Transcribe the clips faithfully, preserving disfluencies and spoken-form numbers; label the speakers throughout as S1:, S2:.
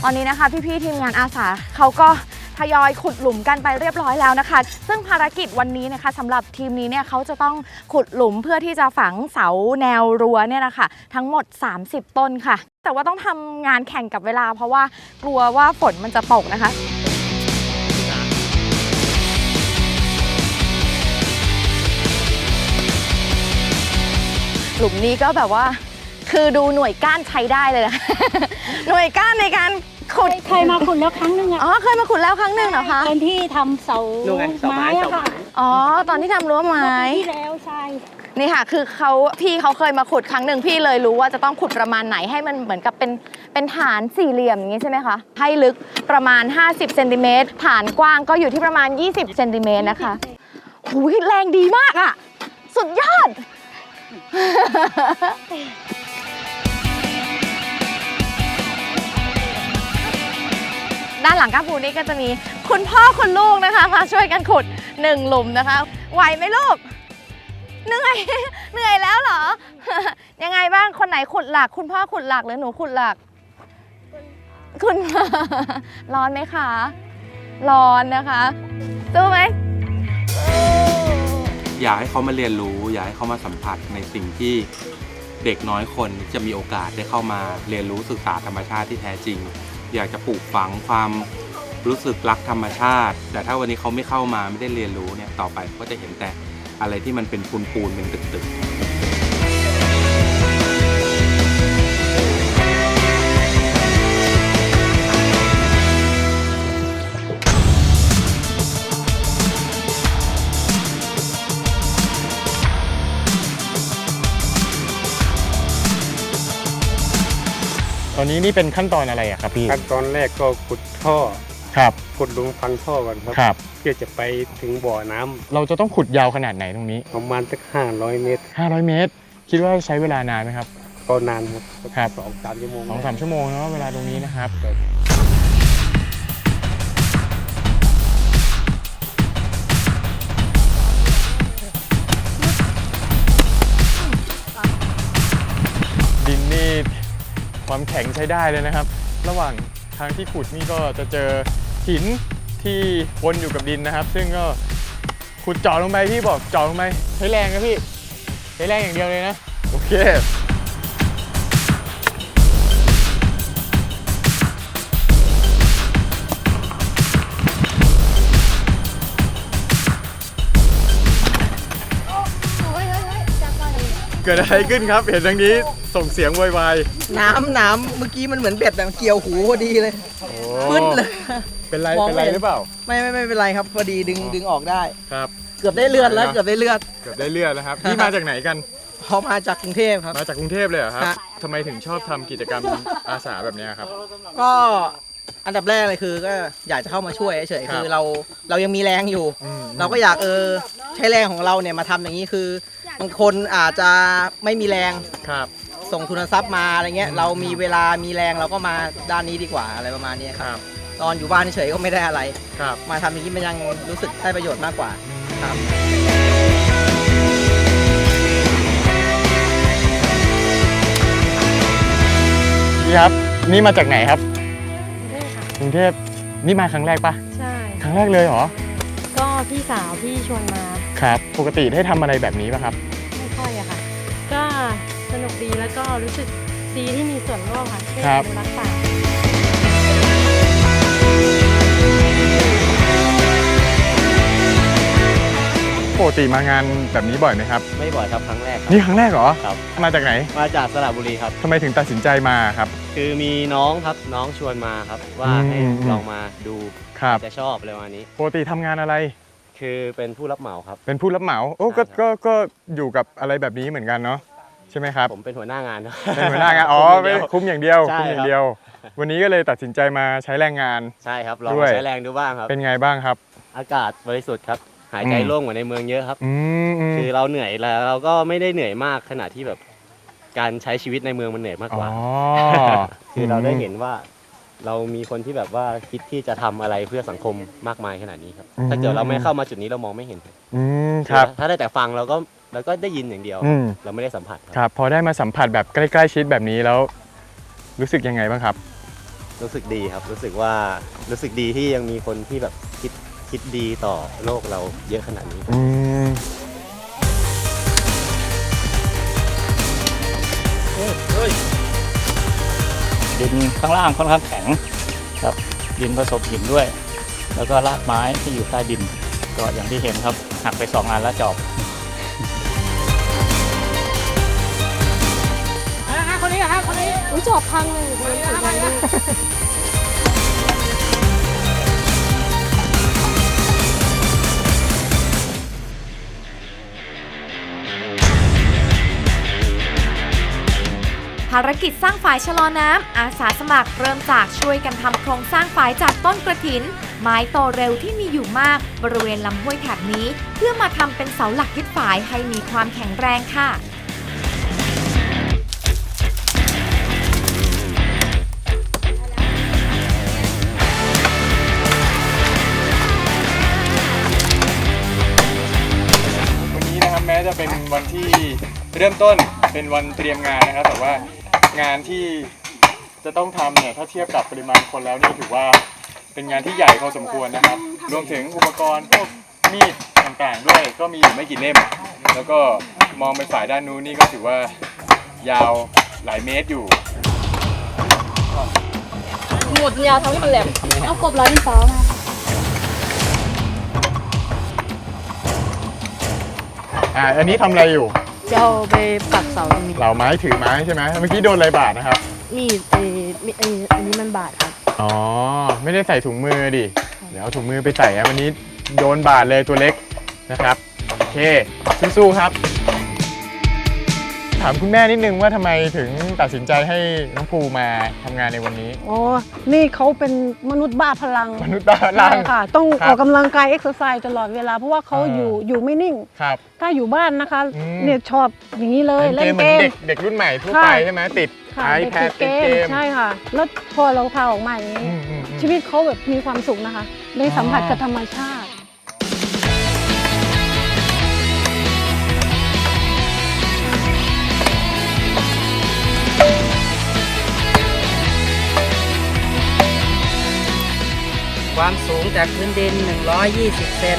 S1: ตอนนี้นะคะพี่ๆทีมงานอาสาเขาก็ทยอยขุดหลุมกันไปเรียบร้อยแล้วนะคะซึ่งภารกิจวันนี้นะคะสำหรับทีมนี้เนี่ยเขาจะต้องขุดหลุมเพื่อที่จะฝังเสาแนวรั้วเนี่ยนะคะทั้งหมดสามสิบต้นค่ะแต่ว่าต้องทำงานแข่งกับเวลาเพราะว่ากลัวว่าฝนมันจะตกนะคะหลุมนี้ก็แบบว่าคือดูหน่วยก้านใช้ได้เลยนะ หน่วยก้านในการขุด
S2: เคยมาขุดแล้วครั้งหนึ่งอ่ะ
S1: อ๋อเคยมาขุดแล้วครั้งหนึ่งเหรอคะ
S2: ตอนที่ทำเสาไม้อะค่ะ
S1: อ๋อตอนที่ทำรั้วไม้
S2: ที่แล้วใช่
S1: นี่ค่ะคือเขาพี่เขาเคยมาขุดครั้งหนึ่งพี่เลยรู้ว่าจะต้องขุดประมาณไหนให้มันเหมือนกับเป็นเป็นฐานสี่เหลี่ยมอย่างนี้ใช่ไหมคะให้ลึกประมาณห้าสิบเซนติเมตรฐานกว้างก็อยู่ที่ประมาณยี่สิบเซนติเมตรนะคะหูยแรงดีมากอ่ะสุดยอดด้านหลังก้าปูนี่ก็จะมีคุณพ่อคุณลูกนะคะมาช่วยกันขุดหนึ่งหลุมนะคะไหวไหมลูกเหนื่อยเหนื่อยแล้วเหรอยังไงบ้างคนไหนขุดหลักคุณพ่อขุดหลักหรือหนูขุดหลักคุณร้อนไหมคะร้อนนะคะสู้ไหม
S3: อยากให้เขามาเรียนรู้อยากให้เขามาสัมผัสในสิ่งที่เด็กน้อยคนจะมีโอกาสได้เข้ามาเรียนรู้ศึกษาธรรมชาติที่แท้จริงอยากจะปลูกฝังความรู้สึกรักธรรมชาติแต่ถ้าวันนี้เขาไม่เข้ามาไม่ได้เรียนรู้เนี่ยต่อไปก็จะเห็นแต่อะไรที่มันเป็นปูนปูนเป็นตึกๆ
S4: ตอนนี้นี่เป็นขั้นตอนอะไรอะครับพี่
S5: ขั้นตอนแรกก็ขุดท่อ
S4: ครับ
S5: ขุดหลุมฝังท่อก่อนครับ
S4: ครับ
S5: เพื่อจะไปถึงบ่อน้ำ
S4: เราจะต้องขุดยาวขนาดไหนตรงนี้
S5: ประมาณสักห้าร้อยเมตร
S4: ห้าร้อยเมตรคิดว่าใช้เวลานานไหมครับ
S5: ก็นานครับ
S4: ครับ
S5: สองสามชั่วโมง
S4: สองสามชั่วโมงเนาะเวลาตรงนี้นะครับดินนี่ความแข็งใช้ได้เลยนะครับระหว่างทางที่ขุดนี่ก็จะเจอหินที่วนอยู่กับดินนะครับซึ่งก็ขุดเจาะลงไปพี่บอกเจาะลงไปใช้แรงนะพี่ใช้แรงอย่างเดียวเลยนะโอเคเกิดอะไรขึ้นครับเห็นทางนี้ส่งเสียงวายว
S6: น้ำน้ำเมื่อกี้มันเหมือนเบ็ดแบบเกี่ยวหูพอดีเลยพึ่นเลย
S4: เป็นไรเป็นไรหรือเปล่า
S6: ไม่ไม่ไม่เป็นไรครับพอดีดึงดึงออกได้
S4: ครับ
S6: เกือบได้เลือดแล้วเกือบได้เลือด
S4: เกือบได้เลือดแล้วครับนี่มาจากไหนกัน
S6: พอมาจากกรุงเทพครับ
S4: มาจากกรุงเทพเลยเหรอครับทำไมถึงชอบทำกิจกรรมอาสาแบบนี้ครับ
S6: ก็อันดับแรกเลยคือก็อยากจะเข้ามาช่วยเฉยๆคือเราเรายังมีแรงอยู่เราก็อยากเออใช้แรงของเราเนี่ยมาทำอย่างนี้คือบางคนอาจจะไม่มีแรง
S4: ครับ
S6: ส่งทุนทรัพย์มาอะไรเงี้ยเรามีเวลามีแรงเราก็มาด้านนี้ดีกว่าอะไรประมาณนี้ครับตอนอยู่บ้านเฉยๆก็ไม่ได้อะไรมาทำอย่างนี้มันยังรู้สึกได้ประโยชน์มากกว่าครับ
S4: พี่ครับนี่มาจากไหนครับกรุงเทพนี่มาครั้งแรกปะ
S7: ใช่
S4: ครั้งแรกเลยเหรอ
S7: ก็พี่สาวพี่ชวนมา
S4: ครับปกติได้ทำอะไรแบบนี้ป่ะครับ
S7: ไม่ค่อยอะค่ะก็สนุกดีแล้วก็รู้สึกดีที่มีส่วนร่วมค่ะช่วยอนุรักษ์ป่า
S4: ปกติมางานแบบนี้บ่อยไหมครับ
S8: ไม่บ่อยครับครั้งแรก
S4: นี่ครั้งแรกเหรอ
S8: ครับ
S4: มาจากไหน
S8: มาจากสระบุรีครับ
S4: ทำไมถึงตัดสินใจมาครับ
S8: คือมีน้องครับน้องชวนมาครับว่าให้ลองมาดูจะชอบอะไรประมาณนี้
S4: ปกติทำงานอะไร
S8: คือเป็นผู้รับเหมาครับ
S4: เป็นผู้รับเหมาโอ้ก็ก็ก็อยู่กับอะไรแบบนี้เหมือนกันเนาะใช่ไหมครับ
S8: ผมเป็นหัวหน้างาน
S4: เป็นหัวหน้างานอ๋อไม่คุ้มอย่างเดียวคุ้มอย่างเดียววันนี้ก็เลยตัดสินใจมาใช้แรงงาน
S8: ใช่ครับลองใช้แรงดูบ้างครับ
S4: เป็นไงบ้างครับ
S8: อากาศบริสุทธิ์ครับหายใจโล่งกว่าในเมืองเยอะครับ
S4: คื
S8: อเราเหนื่อยแล้วเราก็ไม่ได้เหนื่อยมากขนาดที่แบบการใช้ชีวิตในเมืองมันเหนื่อยมากกว่าคือเราได้เห็นว่าเรามีคนที่แบบว่าคิดที่จะทำอะไรเพื่อสังคมมากมายขนาดนี้ครับถ้าเกิดเราไม่เข้ามาจุดนี้เรามองไม่เห็น
S4: ครับ
S8: ถ้าได้แต่ฟังเราก็เราก็ได้ยินอย่างเดียวเราไม่ได้สัมผัส
S4: ครับพอได้มาสัมผัสแบบใกล้ๆชิดแบบนี้แล้วรู้สึกยังไงบ้างครับ
S8: รู้สึกดีครับ รู้สึกว่ารู้สึกดีที่ยังมีคนที่แบบคิดคิดดีต่อโลกเราเยอะขนาดนี้
S4: อืม
S9: ดินข้างล่างค่อนข้างแข็งครับดินผสมหินด้วย แล้วก็รากไม้ที่อยู่ใต้ดินก็อย่างที่เห็นครับหักไปสองอันแล้วจอบ
S2: อุ้ยจอบพังเลยมันถึงพังเลย
S1: ภารกิจสร้างฝายชะลอน้ำอาสาสมัครเริ่มจากช่วยกันทำโครงสร้างฝายจากต้นกระถิน ไม้โตเร็วที่มีอยู่มากบริเวณลำห้วยแถบนี้ เพื่อมาทำเป็นเสาหลักยึดฝายให้มีความแข็งแรงค่ะ
S4: วันนี้นะครับแม้จะเป็นวันที่เริ่มต้นเป็นวันเตรียมงานนะครับแต่ว่างานที่จะต้องทำเนี่ยถ้าเทียบกับปริมาณคนแล้วนี่ถือว่าเป็นงานที่ใหญ่พอสมควรนะครับรวมถึงอุปกรณ์พวกมีดต่างๆด้วยก็มีอยู่ไม่กี่เล่ม แล้วก็มองไปฝ่ายด้านนู้นนี่ก็ถือว่ายาวหลายเมตรอยู่
S2: หมดยาวทำให้มันแหลมเอากบร้อยดินสอมา
S4: อ่าอันนี้ทำอะไรอยู่
S7: จะเอาไปปักเสาตรงนี้
S4: เหล่าไม้ถือไม้ใช่ไหมเมื่อกี้โดนอะไรบาดนะครับ
S7: มีดเออมีเอออันนี้มันบาดครับ
S4: อ๋อไม่ได้ใส่ถุงมือดิเดี๋ยวเอาถุงมือไปใส่นะวันนี้โดนบาดเลยตัวเล็กนะครับโอเคสู้ๆครับ ถามคุณแม่นิดนึงว่าทำไมถึงตัดสินใจให้น้องภูมาทำงานในวันนี้
S2: อ๋อ นี่เขาเป็นมนุษย์บ้าพลัง
S4: มนุษย์บ้าพลัง
S2: ใช่ค่ะ ต้อง
S4: ครับ
S2: ออกกำลังกายเอ็กซ์ไซส์ตลอดเวลาเพราะว่าเขา
S4: อ่า
S2: อยู่อยู่ไม่นิ่ง
S4: ครับ
S2: ถ้าอยู่บ้านนะคะ
S4: อืม
S2: เนี่ยชอบอย่างนี้เลย
S4: เล่
S2: เล่
S4: น
S2: น
S4: เกมเหมื
S2: เก
S4: อน
S2: ม
S4: เด็กเด็กรุ่นใหม่ทั่ว
S2: ใช่
S4: ไปใช่ไหมติด
S2: ค่ะ
S4: iPad
S2: เด็
S4: ติ
S2: ก
S4: ด
S2: ๆ
S4: เกม
S2: ใช่ค่ะ แล้วพอเราพาออกมาอย่างนี้
S4: อืมอืมอืม
S2: ชีวิตเขาแบบมีความสุขนะคะ ได้สัมผัสกับธรรมชาติ
S6: ความสูงจากพื้นดิน หนึ่งร้อยยี่สิบ เซน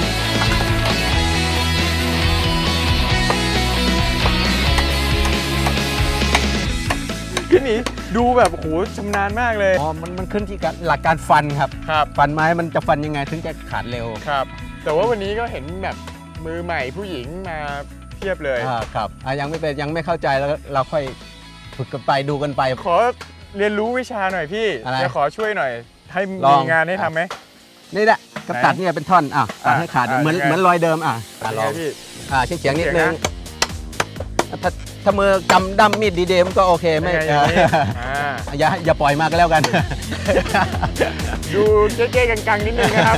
S4: พี่หนีดูแบบโอ้โหชำนาญมากเลย
S6: อ๋อ มันมันขึ้นที่การหลักการฟันครับ
S4: ครับ
S6: ฟันไม้มันจะฟันยังไงถึงจะขาดเร็ว
S4: ครับ แต่ว่าวันนี้ก็เห็นแบบมือใหม่ผู้หญิงมาเทียบเลย
S6: อ่าครับอ่ะยังไม่เป็นยังไม่เข้าใจแล้วเราค่อยฝึกกันไปดูกันไป
S4: ขอเรียนรู้วิชาหน่อยพี่
S6: อะไร
S4: จะขอช่วยหน่อย ให้
S6: ลอง
S4: มีงานให้ทำไหม
S6: นี่แหละกระตัดเนี่ยเป็นท่อนอ่ะตัดให้ขาด
S4: อ่ะ
S6: เหมือน
S4: ยังไง
S6: เหมือนรอยเดิมอ่ะอ่ะลอง
S4: เป็นไพี่
S6: อ่าเฉียงๆนิด
S4: เฉี
S6: นึ
S4: ยง
S6: ง
S4: นะ
S6: ถ้าถ้ามือกำดั้มมีดดีๆมันก็โอเคไม่
S4: เป็นไงอย่างนี้อ่า
S6: อย่าอย่าปล่อยมากก็แล้วกัน
S4: ดูเก๊ๆกังๆนิดนึงนะครับ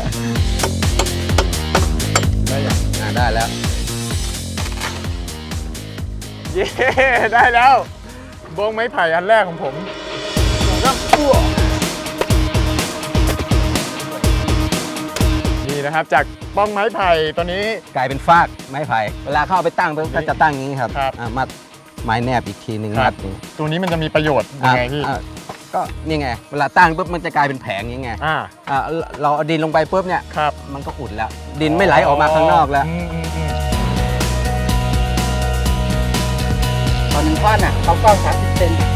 S4: ได้ยัง
S6: อ่าได้แล้ว
S4: เย้ ได้แล้วบงไม้ไผ่อันแรกของผมก็อ้วนี่นะครับจากบ้องไม้ไผ่ตัวนี้
S6: กลายเป็นฟากไม้ไผ่เวลาเข้าไปตั้งปุ๊บก็จะตั้งอย่างนี้ครับ
S4: ครับ
S6: อ่ะมัดไม้แนบอีกทีหนึ่ง
S4: ครั
S6: มั
S4: บ
S6: ดอย่างนี้
S4: ตัวนี้มันจะมีประโยชน์ยังไงพี่
S6: อ่ะก็นี่ไงเวลาตั้งปุ๊บมันจะกลายเป็นแผงอย่างไง
S4: อ่า
S6: อ่ะเราเอาดินลงไปปุ๊บเนี่ย
S4: ครับ
S6: มันก็อุดแล้ว ดินไม่ไหลออกมาข้างนอกแล้ว
S4: มอืมอืม
S6: ตอนหนึ่งท่อนอ่ะเขากว้างสามสิบเซน